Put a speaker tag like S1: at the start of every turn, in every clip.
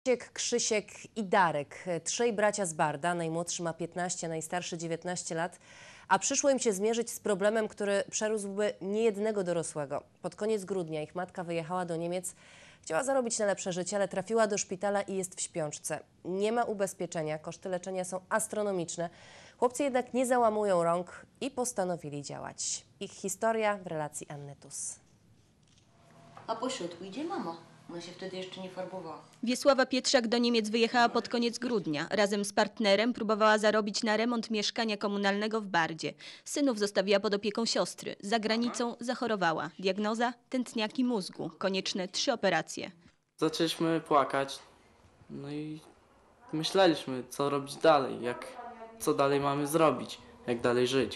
S1: Krzysiek i Darek, trzej bracia z Barda, najmłodszy ma 15, najstarszy 19 lat, a przyszło im się zmierzyć z problemem, który przerósłby niejednego dorosłego. Pod koniec grudnia ich matka wyjechała do Niemiec, chciała zarobić na lepsze życie, ale trafiła do szpitala i jest w śpiączce. Nie ma ubezpieczenia, koszty leczenia są astronomiczne. Chłopcy jednak nie załamują rąk i postanowili działać. Ich historia w relacji Anny Tus.
S2: A po środku idzie mama. Ona się wtedy jeszcze nie farbowała.
S3: Wiesława Pietrzak do Niemiec wyjechała pod koniec grudnia. Razem z partnerem próbowała zarobić na remont mieszkania komunalnego w Bardzie. Synów zostawiła pod opieką siostry. Za granicą zachorowała. Diagnoza: tętniaki mózgu. Konieczne 3 operacje.
S4: Zaczęliśmy płakać, no i myśleliśmy, co robić dalej, co dalej mamy zrobić, jak dalej żyć,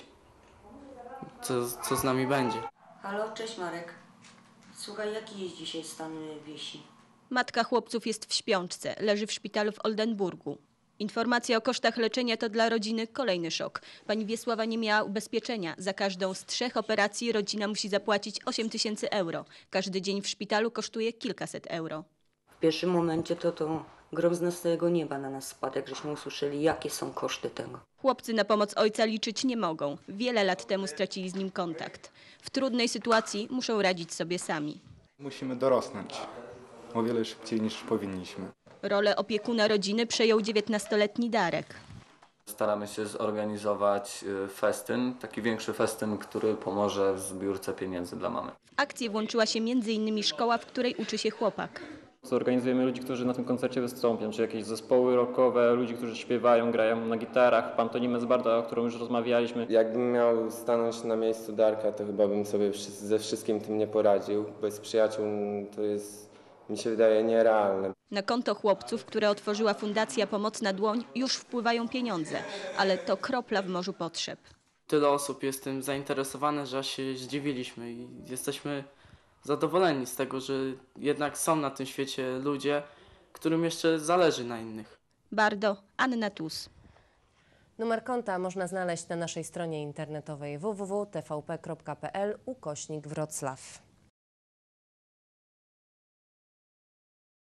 S4: co z nami będzie.
S2: Halo, cześć Marek. Słuchaj, jaki jest dzisiaj stan Wiesi?
S3: Matka chłopców jest w śpiączce. Leży w szpitalu w Oldenburgu. Informacja o kosztach leczenia to dla rodziny kolejny szok. Pani Wiesława nie miała ubezpieczenia. Za każdą z 3 operacji rodzina musi zapłacić 8 000 euro. Każdy dzień w szpitalu kosztuje kilkaset euro.
S2: W pierwszym momencie to grom z nastego nieba na nas spadł, jak żeśmy usłyszeli, jakie są koszty tego.
S3: Chłopcy na pomoc ojca liczyć nie mogą. Wiele lat temu stracili z nim kontakt. W trudnej sytuacji muszą radzić sobie sami.
S5: Musimy dorosnąć o wiele szybciej niż powinniśmy.
S3: Rolę opiekuna rodziny przejął 19-letni Darek.
S6: Staramy się zorganizować festyn, taki większy festyn, który pomoże w zbiórce pieniędzy dla mamy.
S3: W akcję włączyła się m.in. szkoła, w której uczy się chłopak.
S7: Zorganizujemy ludzi, którzy na tym koncercie wystąpią, czy jakieś zespoły rockowe, ludzi, którzy śpiewają, grają na gitarach, pantomimę z Barda, o którą już rozmawialiśmy.
S8: Jakbym miał stanąć na miejscu Darka, to chyba bym sobie ze wszystkim tym nie poradził. Bez przyjaciół to jest, mi się wydaje, nierealne.
S3: Na konto chłopców, które otworzyła Fundacja Pomocna Dłoń, już wpływają pieniądze, ale to kropla w morzu potrzeb.
S4: Tyle osób jest tym zainteresowane, że aż się zdziwiliśmy i jesteśmy zadowoleni z tego, że jednak są na tym świecie ludzie, którym jeszcze zależy na innych.
S3: Bardo, Anna Tus.
S1: Numer konta można znaleźć na naszej stronie internetowej www.tvp.pl/Wrocław.